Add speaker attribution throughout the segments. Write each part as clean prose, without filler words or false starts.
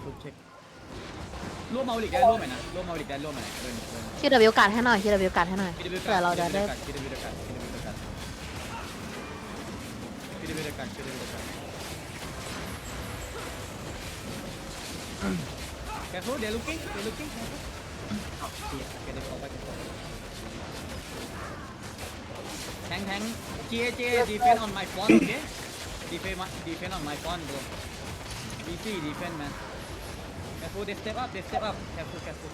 Speaker 1: เช็คร่วมเมาลิกได้ร่วมไหมนะร่วมเมาลิกได้ร่วมไหมเดิน
Speaker 2: คิวเดบิวการให้หน่อยคิวเดบิวการให้หน่อยเผื่อเราจะได้
Speaker 1: แกฟูเดี๋ยวลุกกิ้งแทงเจดีเฟนออนไมฟอนโอเคดีเฟนออนไมฟอนบรูดีซีดีเฟนแมนแกฟูเดสเต็ปอัพแกฟู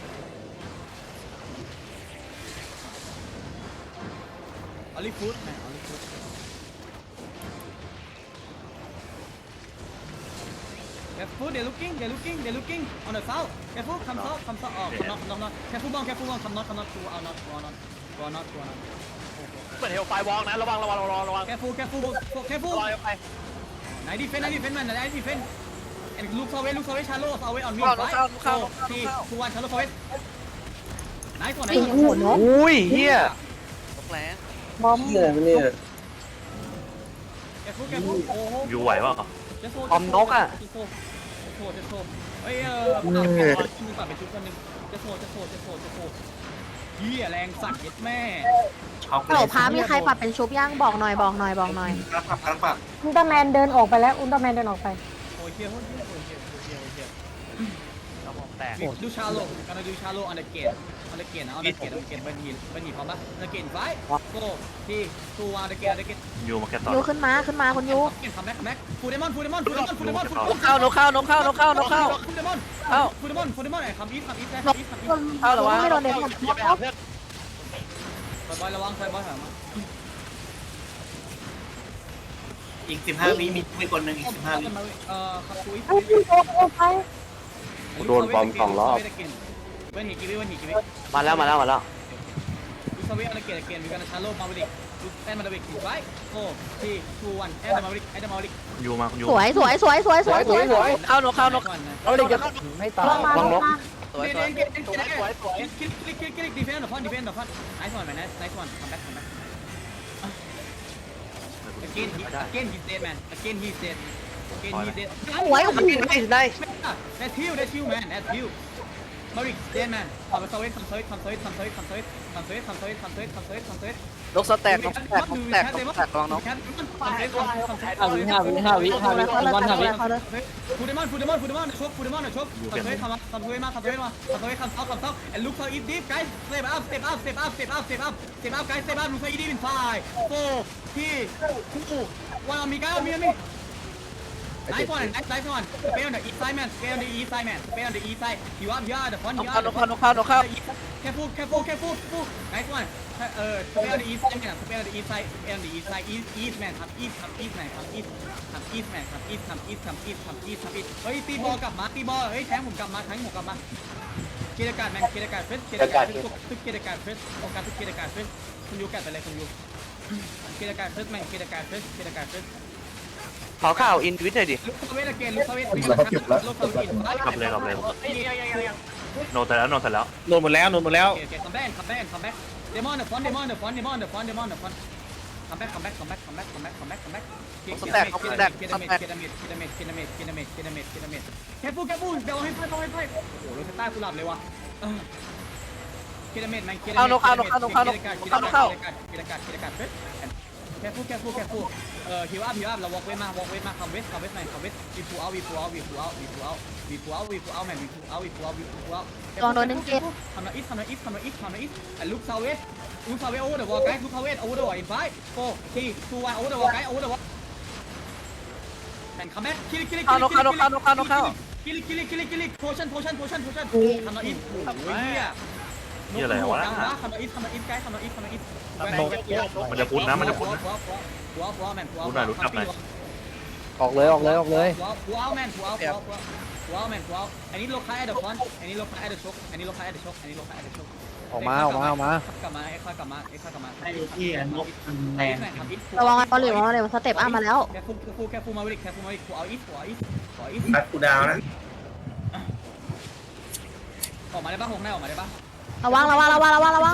Speaker 1: อลิฟูดแมนอลิฟูดCareful, they're looking on the south. Careful, come south. Oh, come not. Careful, come not. Go not.
Speaker 3: เหมือนเฮลไฟวอล์กนะระวัง
Speaker 1: Careful.
Speaker 3: ไป
Speaker 1: Nice defense, man. Nice defense. And look away, shallow away on me.
Speaker 3: เข้า
Speaker 1: 3, 2, 1, shallow away. Nice one.
Speaker 3: อุ้ยเฮียตกแรง
Speaker 2: บอม
Speaker 1: Careful.
Speaker 4: อยู่ไหวป่ะ
Speaker 3: อมนกอ่ะ
Speaker 1: จะโทษเฮ้ยมึงตัดไปชุดคนนึงจะโทษเหี้ยแรงสัตว์เย็ดแม่
Speaker 2: ฮัลโหลพามีใครปรับเป็นชุบย่างบอกหน่อย
Speaker 5: อุลตร้าแมนเดินออกไปแล้วอุลตร้าแมนเดินออกไป
Speaker 1: โอ้ยเหี้ย
Speaker 3: กระมองแตก
Speaker 1: ดูชาโลกันดูชาโลอันเดอร์เกตนะเบนหีพร้อมปะอันเดอร์เกตไฟโก้ที่ตัวอันเดอร์เกต
Speaker 4: อยู่มาแค่ตอน
Speaker 2: ยูขึ้นมาคุณยู
Speaker 1: คัมแบ็กฟูเดมอน
Speaker 3: นกเข้านกเข้า
Speaker 1: ฟูเดมอนคัมอีท
Speaker 2: เข้าหรอวะไม่โดนเด็ก
Speaker 3: อย่าไปหาเพื่อน
Speaker 1: บอยระวังไฟบอยหามา
Speaker 6: อีก15 วิมีคนหนึ่งอีก15 วิ
Speaker 1: ขับคุย
Speaker 5: เอาพี่โดนออกไป
Speaker 4: โดนบอม2 รอบ
Speaker 1: เวนหีกีวิ
Speaker 3: มาแล้ว
Speaker 1: ดูสวิตอันเดอร์เกตมีการชาโลมาวิลิกดูแอนมาวิลิกไฟโก้ที่ทูวันแอนมาวิลิก
Speaker 4: อยู่มาอยู่
Speaker 2: สวย
Speaker 3: เข้านก
Speaker 5: เอาเลยจะไม่ตายระวังนก
Speaker 3: สวย
Speaker 1: ดีเฟนต์ฟอนไนซ์วันแมนไนซ์วันคัมแบ็กagain he said man again he said
Speaker 2: สวย
Speaker 3: ได้
Speaker 1: that's you man that's you Marik dead man ทำสวิต
Speaker 3: นกสแต็กระวังนก
Speaker 2: เขาเลย
Speaker 1: ฟูเดมอนชกทำสวิตมาand look for it deep guys step up guys step up guys look for it deep in 5 4 3 2 1 on me guys on me Nice one. Stay on the east side, man. Stay on the east side. You up here, the front.
Speaker 3: นกเข้า
Speaker 1: Careful. Nice one. Stay on the east side, man. Stay on the east side. East, man. Come east, man. Come east, man. Come east. เฮ้ยตีบอลกลับมาเฮ้ยแทงผมกลับมาเกียรติการแมนเฟสทุกเกียรติการเฟสโอกาสทุกเกียรติการเฟสคุณยูกัดไปเลยคุณยูเกียรติการเฟสแมนเกียรติการเฟส
Speaker 3: ขอข่าวอินวิทหน่อยดิ
Speaker 1: ลูกเวทเกนลูกเวท
Speaker 4: กลับเลยโนเสร็จแล้ว
Speaker 3: โดนหมดแล้ว
Speaker 1: คัมแบ็กเดมอนเดอะฟอนคัมแบ็กคัมแบ็กเคฟูเดี๋ยวให้ไฟโอ้โหรถใต้กูหลับเลยวะเคดเมดแมนเคดเข้าแคฟูฮิวอัพเราวอล์กเวทมาคัมเวสแมนวีฟูเอาแมนวีฟูเอาแมนวีฟูเอาทำนาอิสลุกซาเวสโอเวอร์เดอะวอลไกด์ลุกซาเวสโอเวอร์เดอะวอลอินไฟโฟทีทูวันโอเวอร์เดอะวอลไกด์โอเวอร์เดอะวอลแมนคัมแบ็กคิลิโพชั่นทำนาอิสโอ้ยเนี่ย
Speaker 4: นี่อะไรวะ
Speaker 1: ทำนาอิสไกด์ทำนาอิส
Speaker 4: มันจะพุ้นนะ
Speaker 1: หัวแมน
Speaker 4: พูดหน่อยรู้จักหน่อย
Speaker 3: ออกเลย
Speaker 1: หัวแมนอันนี้โลคาแอดเดอร์ฟอนอันนี้โลคาแอดเดอร์ช็อก
Speaker 3: ออกมา
Speaker 1: กลับมาเอ็กซ์กลับมา
Speaker 6: ไอ้ที่นกแรง
Speaker 2: ระวังบอลเหลวสเต็ปอัพมาแล้ว
Speaker 1: แค่ฟูมาวิลิกหัวอีส
Speaker 6: นัดกูดาวนะ
Speaker 1: ออกมาได้ป่ะหงได้ออกมาได้ป่ะ
Speaker 2: ระวัง
Speaker 1: ลงมา
Speaker 5: ลงมาแคฟู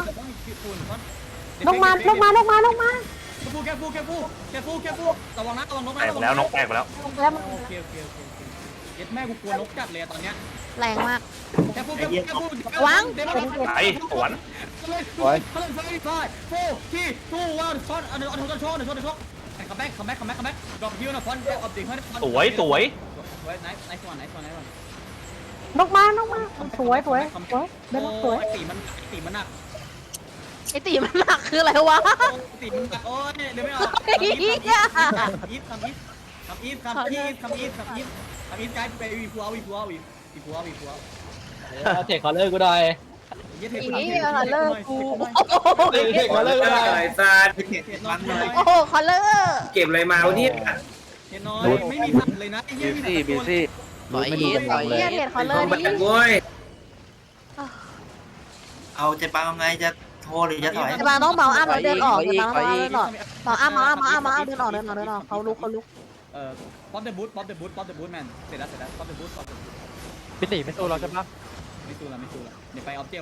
Speaker 1: ระวังนะระวังนก
Speaker 4: แตกแล้วนกแตกไปแล้ว
Speaker 5: แล้ว
Speaker 1: โอเคย็ดแม่กูกลัวนกจัดเลยตอนเนี้ย
Speaker 2: แรงมาก
Speaker 1: แค่พูด
Speaker 2: วาง
Speaker 4: ไอ้สวน
Speaker 1: โอ้ยเขาเล่นไฟไฟโฟที่ทูวันช็อตอันนี้อันนี้ช็อตอันนี้ช็อตคัมแบ็กดรอปฮิวนะฟอนออฟดิเฮ้ย
Speaker 4: สวยสวย
Speaker 1: ไนท์ก่อน
Speaker 5: นกมสวยเดินสวย
Speaker 1: ไอตีมันหนัก
Speaker 2: ไอตีมันหนักคืออะไรวะ
Speaker 1: ตีมันหนักโอ้ยเดี๋ยวไม่ออกอีฟไกด์ไปวีพัว
Speaker 7: เทคคอลเลอร์กูหน่อย
Speaker 1: เยเท
Speaker 2: อีเลิกกู
Speaker 7: เทคคอลเลอร์กูหน่อย
Speaker 6: ไอ้ซาด
Speaker 1: มันเลย
Speaker 2: โอ้โหคอลเลอร์
Speaker 6: เก็บอะไรมาวะเนี่ย
Speaker 1: เห็นน้อยไม่มีสัตว์เลยนะไอ้เหี้ย
Speaker 3: บีซี่
Speaker 2: เฮียเทรดคอลเลอร์
Speaker 6: แบ
Speaker 2: นี่
Speaker 6: บโว้ยเอาใจปังเอาไงจะโทรหรือจะถอย
Speaker 2: จะมาต้องเมาอ้ามแล้วเดินออกจะมาต้องเดินออกเมาอ้ามเดินออกเขาลุก
Speaker 1: ป๊อปเดอะบูทแมนเสร็จแล้วป๊อปเดอะบูท
Speaker 7: พี่ตีไม่สู้เราใช่ปะ
Speaker 1: ไม่สู้ละเดี๋ยวไปออฟเจ